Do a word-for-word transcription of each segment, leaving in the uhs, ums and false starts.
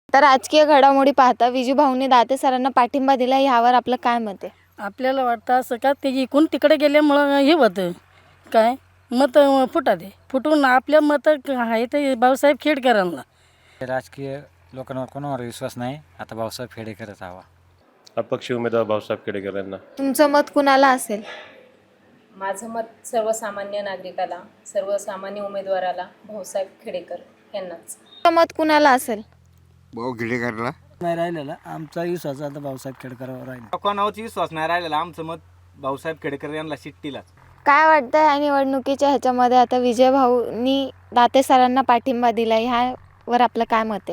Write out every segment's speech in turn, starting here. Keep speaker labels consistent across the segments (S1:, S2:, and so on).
S1: तर राजकीय घडामोडी पाहता विजू भाऊंनी दाते सरांना पाठिंबा दिला, यावर आपलं काय मत आहे?
S2: आपल्याला वाटतं असं का ते इकून तिकडे गेल्यामुळं हे होतं काय मत फुटा दे फुटून आपल्या मत आहे ते भाऊसाहेब खेडकरांना.
S3: राजकीय लोकांवर कोणावर विश्वास नाही, आता भाऊसाहेब खेडेकरच हवा.
S4: अपक्ष उमेदवार भाऊसाहेब खेडेकर यांना.
S1: तुमचं मत कुणाला असेल?
S5: माझं मत सर्वसामान्य नागरिकाला, सर्वसामान्य उमेदवाराला भाऊसाहेब खेडेकर यांनाच.
S1: तुमचं मत कुणाला असेल?
S6: भाऊ खेडेकरला.
S2: नाही राहिलेला आमचा विश्वास आता भाऊसाहेब खेडकरावर राहिला.
S7: कोणावरच विश्वास नाही राहिलेला, आमचं मत भाऊसाहेब खेडेकर यांना शिट्टीलाच.
S1: काय वाटतं या निवडणुकीच्या ह्याच्यामध्ये आता विजय भाऊंनी दाते सरांना पाठिंबा दिला, ह्यावर आपलं काय मत आहे?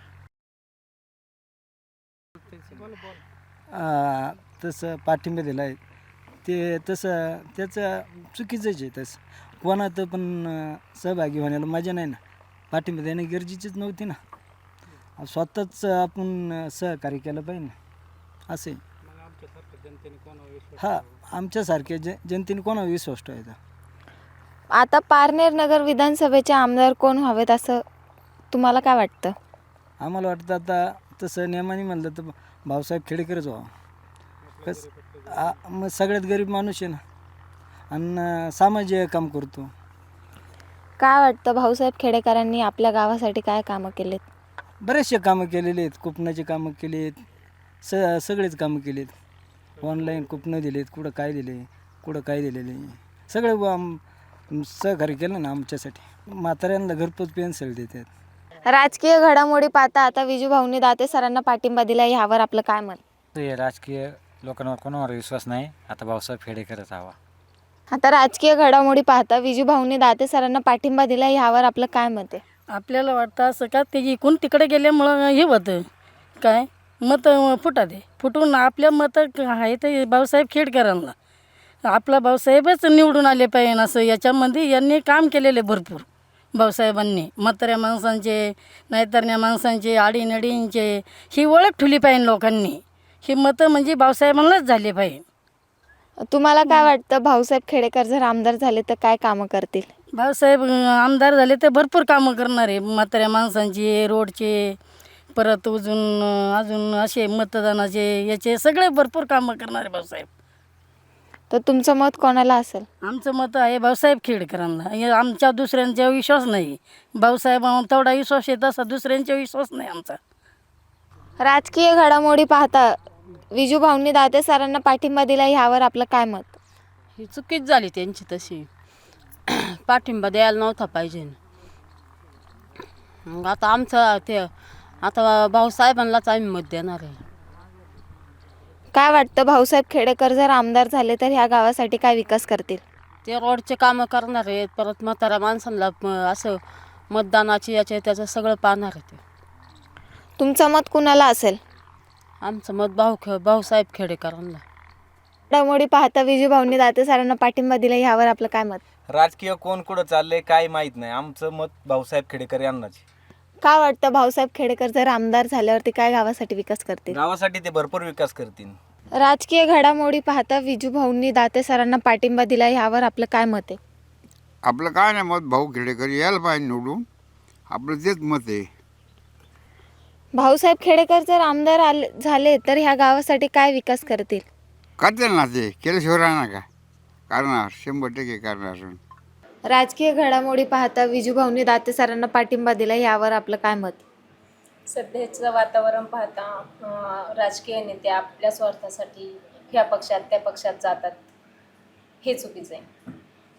S2: आ, तसं पाठिंबा दिला आहे ते तसं त्याचं चुकीचंच आहे. तसं कोणाचं पण अं, सहभागी होण्याला मजा नाही ना. पाठिंबा देणे गरजेचीच नव्हती ना. स्वतःच आपण अं, सहकार्य केलं पाहिजे ना असे. हा आमच्यासारख्या ज जनतेने कोणावर विश्वास ठेवायचा?
S1: आता पारनेर नगर विधानसभेचे आमदार कोण व्हावेत असं तुम्हाला काय वाटतं?
S2: आम्हाला वाटतं आता तसं नियमाने म्हणलं तर भाऊसाहेब खेडेकरच व्हावं. कस आ मग सगळ्यात गरीब माणूस आहे ना आणि सामाजिक काम करतो.
S1: काय वाटतं भाऊसाहेब खेडेकरांनी आपल्या गावासाठी काय कामं केलेत?
S2: बरेचसे कामं केलेले आहेत. कुपनाचे कामं केले आहेत. स सगळेच कामं केले आहेत. ऑनलाईन कुपनं दिलेत, कुठं काय दिले, कुठं काय दिलेले सगळे आम सहकार्य केलं ना आमच्यासाठी. म्हाताऱ्यांना घरपोच पेन्सिल देतात.
S1: राजकीय घडामोडी पाहता आता विजू भाऊंनी दाते सरांना पाठिंबा दिला, यावर आपलं काय मत?
S3: हे राजकीय लोकांवर कोणावर विश्वास नाही, आता भाऊसाहेब खेडेकरच हवा.
S1: आता राजकीय घडामोडी पाहता विजू भाऊंनी दाते सरांना पाठिंबा दिला, यावर आपलं काय मत आहे?
S2: आपल्याला वाटतं असं का ते इकून तिकडे गेल्यामुळं हे होतं काय मत फुटा दे फुटून आपल्या मत आहे ते भाऊसाहेब खेडकरांना. आपला भाऊसाहेबच निवडून आले पाहिजे असं याच्यामध्ये यांनी काम केलेले भरपूर. भाऊसाहेबांनी म्हाताऱ्या माणसांचे नाहीतरण्या माणसांचे आडीनडींचे ही ओळख ठेवली पाहिजे लोकांनी. ही मतं म्हणजे भाऊसाहेबांनाच झाले पाहिजे.
S1: तुम्हाला काय वाटतं भाऊसाहेब खेडेकर जर आमदार झाले तर काय कामं करतील?
S2: भाऊसाहेब आमदार झाले तर भरपूर कामं करणार आहे. म्हाताऱ्या माणसांचे, रोडचे, परत अजून अजून असे मतदानाचे याचे सगळे भरपूर कामं करणार आहे भाऊसाहेब.
S1: तर तुमचं मत कोणाला असेल?
S2: आमचं मत आहे भाऊसाहेब खेडकरांना. हे आमच्या दुसऱ्यांचा विश्वास नाही. भाऊसाहेबांवर तेवढा विश्वास आहे तसा दुसऱ्यांचा विश्वास नाही आमचा.
S1: राजकीय घडामोडी पाहता विजू भाऊंनी दाते सरांना पाठिंबा दिला, ह्यावर आपलं काय मत?
S8: ही चुकीच झाली त्यांची तशी. पाठिंबा द्यायला नव्हता पाहिजे. मग आता आमचं ते आता भाऊसाहेबांनाच आम्ही मत देणार आहे.
S1: काय वाटतं भाऊसाहेब खेडेकर जर आमदार झाले तर ह्या गावासाठी काय विकास करतील?
S8: ते रोडचे कामं करणार आहेत. परत म्हाताऱ्या माणसांना म- असं मतदानाची याचे त्याचं सगळं पाहणार आहे ते.
S1: तुमचं मत कुणाला असेल?
S8: आमचं मत भाऊ खे भाऊसाहेब खेडेकरांना.
S1: घडामोडी पाहता विजू भाऊंनी दाते सरांना पाठिंबा दिला, ह्यावर आपलं काय मत?
S7: राजकीय कोण कुठं चाललंय काय माहीत नाही, आमचं मत भाऊसाहेब खेडेकर यांनाच.
S1: काय वाटतं भाऊसाहेब खेडेकर जर आमदार झाल्यावरती काय गावासाठी विकास करतील?
S7: गावासाठी ते भरपूर विकास करतील.
S1: राजकीय घडामोडी पाहता विजू भाऊंनी दाते सरांना पाठिंबा दिला, ह्यावर आपलं काय मत आहे?
S6: आपलं काय नाही मत, भाऊ खेडेकर यायला पाहिजे निवडून, आपलं तेच मत आहे.
S1: भाऊसाहेब खेडेकर जर आमदार आले झाले तर ह्या गावासाठी काय विकास करतील?
S6: करतील ना ते, केल्याशिवाय राहणार का? करणार, शंभर टक्के करणार.
S1: राजकीय घडामोडी पाहता विजू भाऊंनी दाते सरांना पाठिंबा दिला, यावर आपलं काय मत?
S5: सध्याचं वातावरण पाहता अं, राजकीय नेते आपल्या स्वार्थासाठी ह्या पक्षात त्या पक्षात जातात, हे चुकीचं आहे.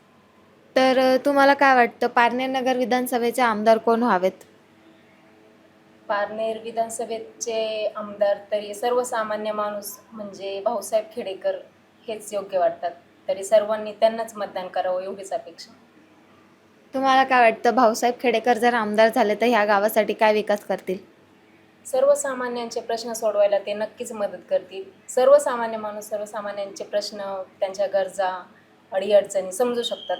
S1: तर अ, तुम्हाला काय वाटतं पारनेर नगर विधानसभेचे आमदार कोण व्हावेत?
S5: पारनेर विधानसभेचे आमदार तरी सर्वसामान्य माणूस म्हणजे भाऊसाहेब खेडेकर हेच योग्य वाटतात. तरी सर्वांनी त्यांनाच मतदान करावं एवढीच अपेक्षा.
S1: तुम्हाला काय वाटतं भाऊसाहेब खेडेकर जर आमदार झाले तर ह्या गावासाठी काय विकास करतील?
S5: सर्वसामान्यांचे प्रश्न सोडवायला ते नक्कीच मदत करतील. सर्वसामान्य माणूस सर्वसामान्यांचे प्रश्न, त्यांच्या गरजा, अडीअडचणी समजू शकतात.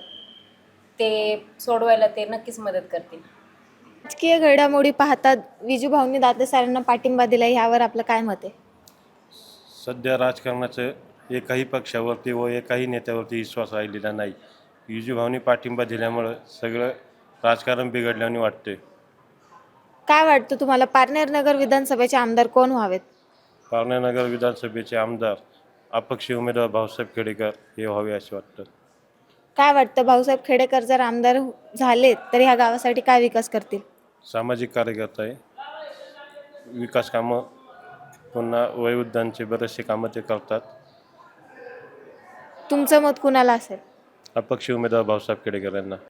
S5: ते सोडवायला ते नक्कीच मदत करतील.
S1: राजकीय घडामोडी पाहता विजू भाऊंनी दाते सरांना पाठिंबा दिला, ह्यावर आपलं काय मत आहे?
S4: सध्या राजकारणाचं एकाही पक्षावरती व एकाही नेत्यावरती विश्वास राहिलेला नाही. विजूभाऊनी पाठिंबा दिल्यामुळं सगळं राजकारण बिघडल्याने वाटते.
S1: काय वाटतं तुम्हाला पारनेर नगर विधानसभेचे आमदार कोण व्हावेत?
S4: पारनेर नगर विधानसभेचे आमदार अपक्ष उमेदवार भाऊसाहेब खेडेकर हे व्हावे असे वाटतं.
S1: काय वाटतं भाऊसाहेब खेडेकर जर आमदार झाले तर ह्या गावासाठी काय विकास करतील?
S4: सामाजिक कार्यकर्ता आहे. विकास कामं पुन्हा वयोवृद्धांचे बरेचसे कामं ते करतात.
S1: तुमचं मत कुणाला असेल?
S4: अपक्ष उमेदवार भाऊसाहेब खेडेकर यांना.